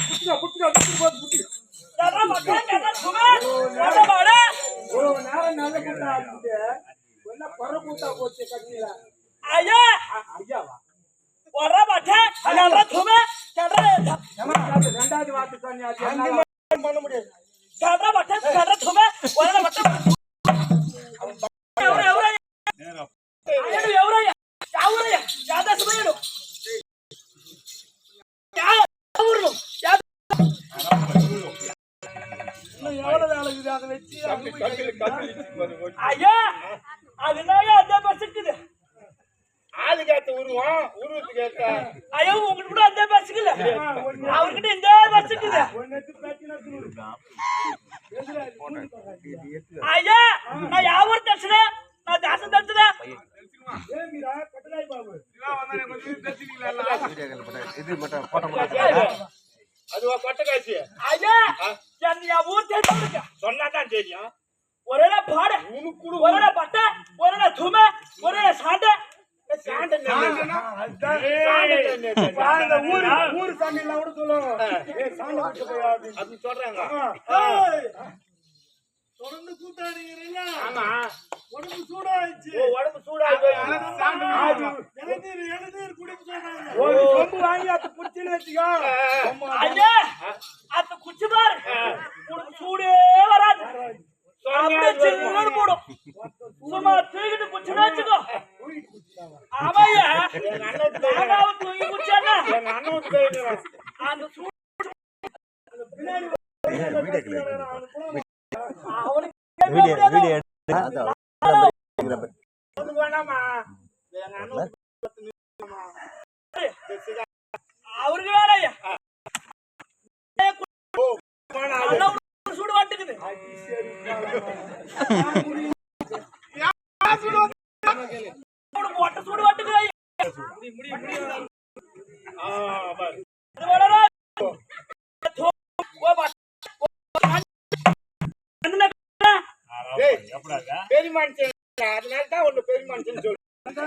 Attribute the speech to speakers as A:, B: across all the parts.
A: புடிடா புடி
B: யாரா மக்கா கேட்டா சும்மா ஓட வாடா
A: ஒரு நேரம் நல்ல கூட்டா ஆடுது என்ன பர கூட்டா போச்சு கட்டில
B: ஐயா
A: ஐயாவா
B: ஓட மாட்டே யாரா சும்மா கேட்டா
A: ரெண்டாவது வார்த்தை சொன்னியா என்ன பண்ண முடியாது
B: யாரா மாட்டே கேட்டா சும்மா ஓட மாட்டே ఎవరు ఎవరయ్యా ఎవరయ్యా యాదా సుమయ్యడు ఎవరు ఎవరు వేళ అది వెచ్చి అయ్యా అది నాయ అదే బస్సుக்குது
A: ஆளு கேட்ட உருவத்து கேட்ட
B: ஐயோ உங்களுக்கு கூட அதே பஸ்ஸுக்குல அவர்கிட்ட இந்த பஸ்ஸுக்குது ஐயா நான் யாவூர் தர்சன நான் தாசன் தர்சன
A: ஏமிரா கட்டலாய் பாபு சிவா வந்தானே கொஞ்சம் தர்சினீங்களா
C: இது மட்டும் போட்டோ
A: அதுவா கொட்டகாசி
B: ஐயா என்ன ஊர் தெரியுங்க
A: சொன்னா தான் தெரியும்
B: ஒரே பாட
A: உனக்கு
B: ஒரே பட்ட ஒரே தும ஒரே சாண்ட
A: சாண்ட அந்த ஊர் சாமிலாம் கூட சொல்லுவாங்க ஏய் சாண்ட விட்டு போய் அப்படி சொல்றாங்க தொடர்ந்து கூட்டாடுறீங்க ஆமா உடம்பு சூடாயிச்சு உடம்பு சூடாயிச்சு எழுநீர் குடிக்க சொல்றாங்க ஒரு சொம்பு வாங்கி அத குடிச்சின்னு வெச்சிக்கோ
B: ஐயா அத குடிச்சு பாரு உனக்கு சூடே வராது அப்படியே சில்லுன்னு போடும் சும்மா தூக்கிட்டு குடிச்சுன்னு வச்சுக்கோ ஆமாய்யா எங்க அண்ணன் தூக்கி குடிச்சாங்க
A: எங்க அண்ணன் போயிடுறான்
B: அந்த சூடு அவருக்கு வேலையா சூடு வாட்டுக்குது சூடு வாட்டுக்குது
A: பெரிய மனுஷன் அதனாலதான் ஒண்ணு பெரிய மனுஷன் சொல்லு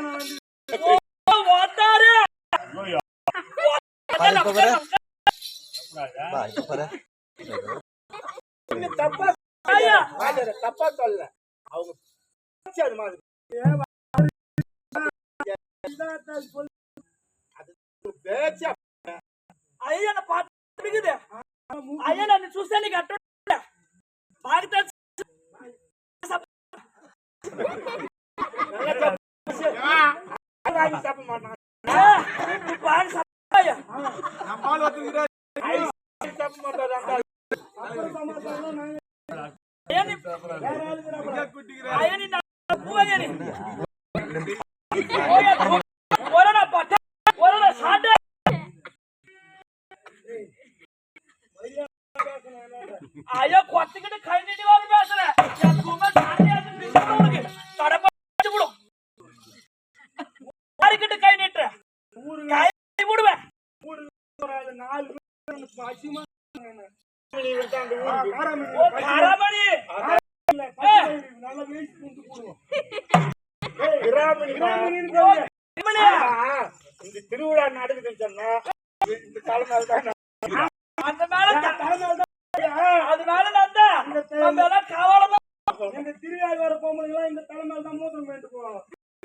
A: தப்பா சொல்ல அவங்க அது மாதிரி
B: ஐயா நான் பாத்துக்குது ஐயா நான் చూస్తే నీకు అట్ట బాగా తెలుసు
A: தப்ப மாட்டான்
B: ஐயோ கொத்துக்கிட்டு கை நீட்டி வாங்க பேசுறேன் யாருக்கிட்ட கை நீட்டுற கை விடுவேன்
A: இந்த திருவிழா நடக்குதுன்னு சொன்னா இந்த தலைமையில் தான்
B: அந்த மேல அதனால நான் தான் நம்ம எல்லாம் காவலதான்
A: இந்த திருவிழா வர பொம்பளைங்க இந்த தலைமையில் தான் மூத்திரம் வேண்டு போவோம்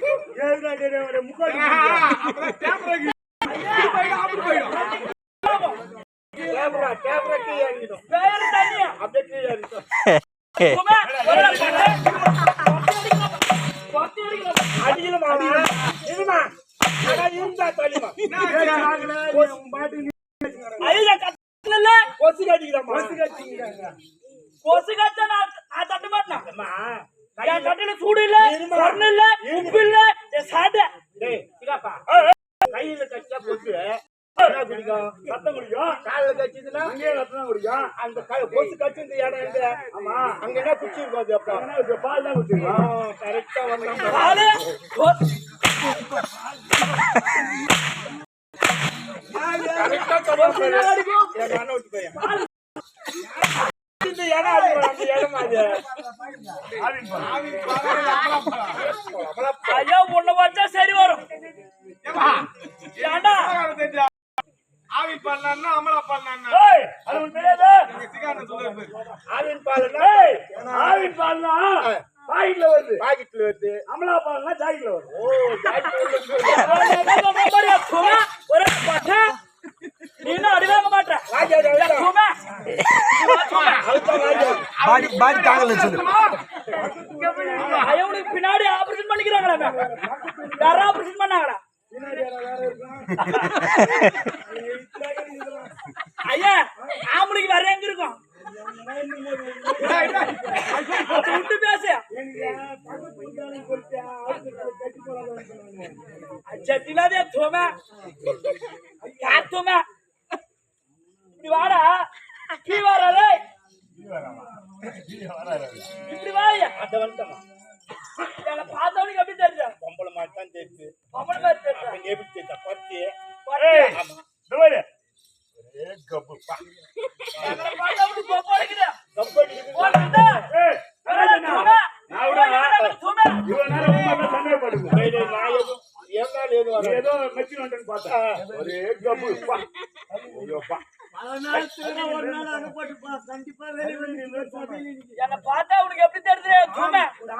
B: சூடு இல்ல இல்ல உப்பு இல்ல சாட்ட
A: கையில கச்சா கொசு குடிக்கும் ரத்தம் குடிக்கும் காலில் கச்சிதுன்னா அங்கேயே ரத்தம் குடிக்கும் அந்த கொசு கச்சு இந்த இடம் எங்க ஆமா அங்க என்ன குச்சி இருக்கும் அப்ப பால் தான் குடிச்சிருக்கோம் கரெக்டா வந்தாங்க
B: ஐயா உன்னை வச்சா சரி வரும்
A: ஆவி
C: ஆவின் பால்னா அமலா பால்னா
A: ஏய் அது உனக்கு தெரியாதா
C: சிகாரன் சொல்லுவாரு
A: ஆவின் பால்னா ஏய் ஆவின் பால்னா பாக்கெட்ல வருது அமலா பால்னா ஜாக்கெட்ல வருது ஓ ஜாக்கெட்ல வருது
B: ஒரு பட்டா நீ என்ன அடிவாங்க மாட்டே
C: பாடி தாங்கல சொல்லு
B: ஐயனுக்கு பின்னாடி ஆபரேஷன் பண்ணிக்கிறாங்களா யாரா ஆபரேஷன் பண்ணாங்களா ஐயா ஆம்பளைக்கு வேற எங்க இருக்கும் விட்டு பேச சட்டிலாதே தோமே யார் தோமே இப்படி வாடா கீ வாரே இப்படி வாயா
A: அத வந்துட்டமா
B: என்ன பார்த்தவனுக்கு எப்படி தெரியுது
A: பொம்பளை மாதிரி தான் தெரியுது
B: பொம்பளை மாதிரி தெரியுது
A: அப்ப எப்படி தெரியுதா பத்தி
B: ஏய்
A: ஆமா டேய் ஏ கப்பு பா
B: என்ன பார்த்தவனுக்கு பொம்பளைக்குது
A: கப்படி
B: ஓடுடா
A: ஏய்
B: தோமே தோமே
A: இவன் நேரம் உம்மா சண்டை போடுங்க டேய் நான் ஏதோ ஏதோ வர ஏதோ மெச்சி வந்துன்னு பார்த்தா ஒரே கப்பு பா ஐயோ பா
B: என்ன பார்த்தா உனக்கு எப்படி தெரியுது தோமே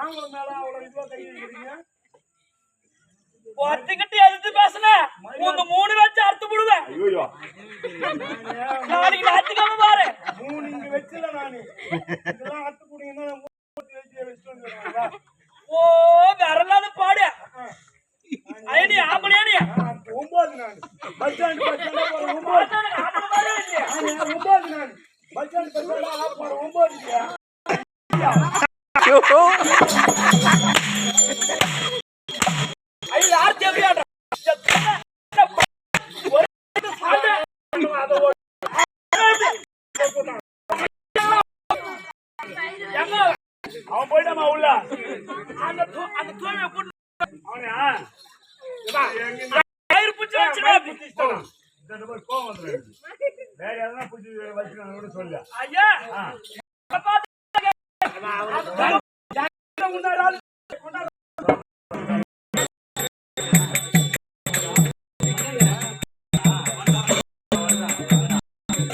B: ஒருத்திக்கிட்டு எதிர்த்து பேசுன உங்க 3 வச்சு அறுத்து விடுவேன்
A: ஐயோ
B: நாளைக்கு ஞாயிற்றுக்கிழமை பாரு
A: இங்க வெச்சல நானு இதெல்லாம் அத்து குடிங்க
B: ஓ வரலாத பாடு ஐடி ஆம்பளையாடி
A: 9 நான் பஸ் ஸ்டாண்ட் போற 9 நான் பஸ் ஸ்டாண்ட் போற 9 இல்லையா
B: ஐயோ யார் தேவையாடா ஒரு சாடு
A: அத
B: எங்க
A: அவன் போய்டாமா உள்ள
B: அந்த தூய்மை கூட்டு
A: அவனா
B: கயிறு பிடிச்சு வச்சுடா
A: இந்த நம்பர் கோவம் வந்துரு வேற எதனா புடிச்சு வச்சுக்கணும் சொல்லு
B: ஐயா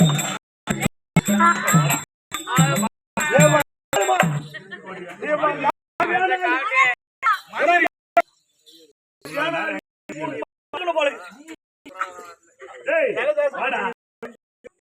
A: ஏ